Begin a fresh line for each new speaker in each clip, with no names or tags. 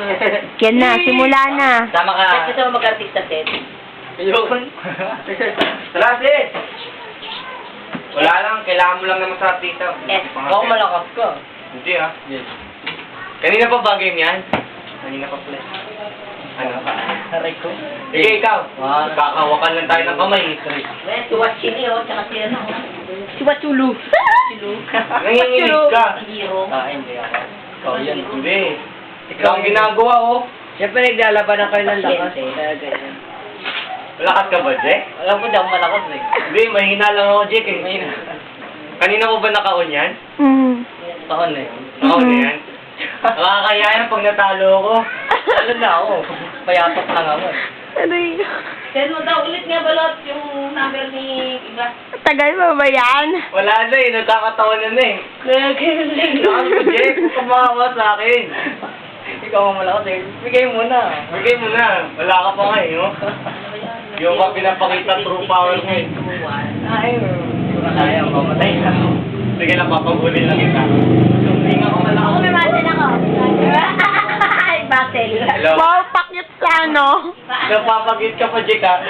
Yan na, simula na.
Tama ka.
Kahit gusto mo mag-artista, Ted.
Ayun. Tara, sis. Wala lang, kailangan mo lang naman sa artista.
Ako malakas ka.
Hindi ah. Yes. Kanina pa ba game yan? Kanina pa pala. Ano?
Aray ko.
Sige, ikaw. Kakawakan lang tayo ng kamay.
Well, si Wachini, tsaka si ano.
Si Wachulu.
Nanginginig ka.
Hero.
Hindi ako. Ikaw yan. Hindi. Ikaw ang ginagawa, oh.
Siyempre, naglalaban na kayo ng lakas. Kaya ganyan.
Malakas ka ba, Jack?
Alam ko, di ako malakas eh.
Hindi, mahina lang ako, Jack eh. Kanina mo ba nakaon yan?
Taon eh.
Nakaon na yan? Nakakaya yan pag natalo ako.
Ano na ako? Payatok lang ako eh.
Aray.
Send mo daw ulit nga balot yung number ni Iba.
Tagal mo ba yan?
Wala na eh, nagkakataon na eh.
Nagaling.
Saan mo, Jack? Huwag ka makawa sa akin.
Ikaw ang malakas eh. Bigay mo na.
Bigay mo na. Wala ka pa nga eh, no? Yung ka pinapakita true power mo eh.
Ay, hindi ko na kaya. Mamatay na ako.
Sige lang, papagulin lang kita. Hindi nga ako malakas.
Ako may battle ako. Ay, battle.
Hello?
Wow, pakit sa ano.
Napapagit ka pa, Jack ha?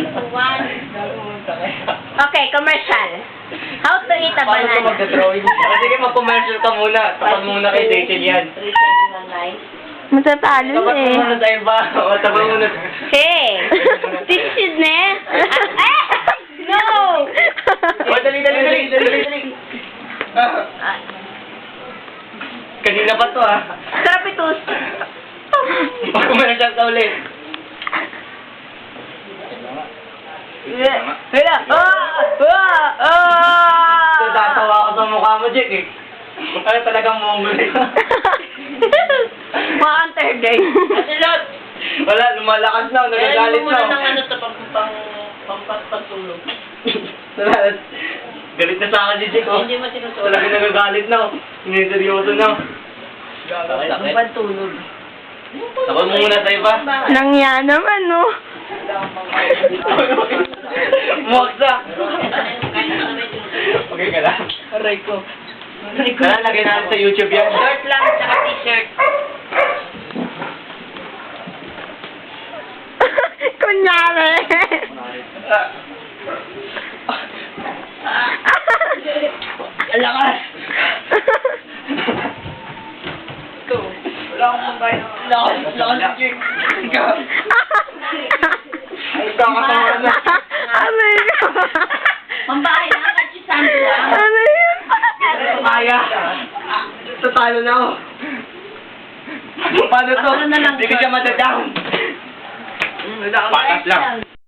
Okay, commercial. How to eat a
Paano ito
banana.
magdadrawing? Sige, mag-commercial ka muna. Tapat muna kay Rachel yan.
Matatalo
Tapat
eh.
muna tayo ba? O, tapat muna.
Hey! Tissue ne? No!
O, dali. Kanina pa to ah.
Sarap itus.
Mag-commercial ka ulit.
Hala!
Tatawa ako sa mukha mo, Jack eh. Ano talagang mongol eh.
Mga anterday.
Asilot!
Wala, lumalakas na, nagagalit
mo muna ng
na.
ano to, pagtulog.
Wala, galit na sa akin si Jack oh.
Hindi mo tinutulog.
Talagang nagagalit na. Siniseryoso na.
Ang pantulog.
Tapos muna tayo ba?
Nangya naman, no?
Moksa! Okay ka lang.
Aray ko.
Tara, lagay natin sa YouTube yan.
Short lang, tsaka t-shirt.
Kunyari.
Ang lakas! Ito. Wala akong mabay. Lakas, Jake. Ikaw.
Ay, kakatawa na.
Aray ko.
Mambahay na agad si Sandra.
Aray yun.
Kaya. Tatalo na ako. Paano to?
Ano na lang,
Hindi ko siya madadown. Patas lang.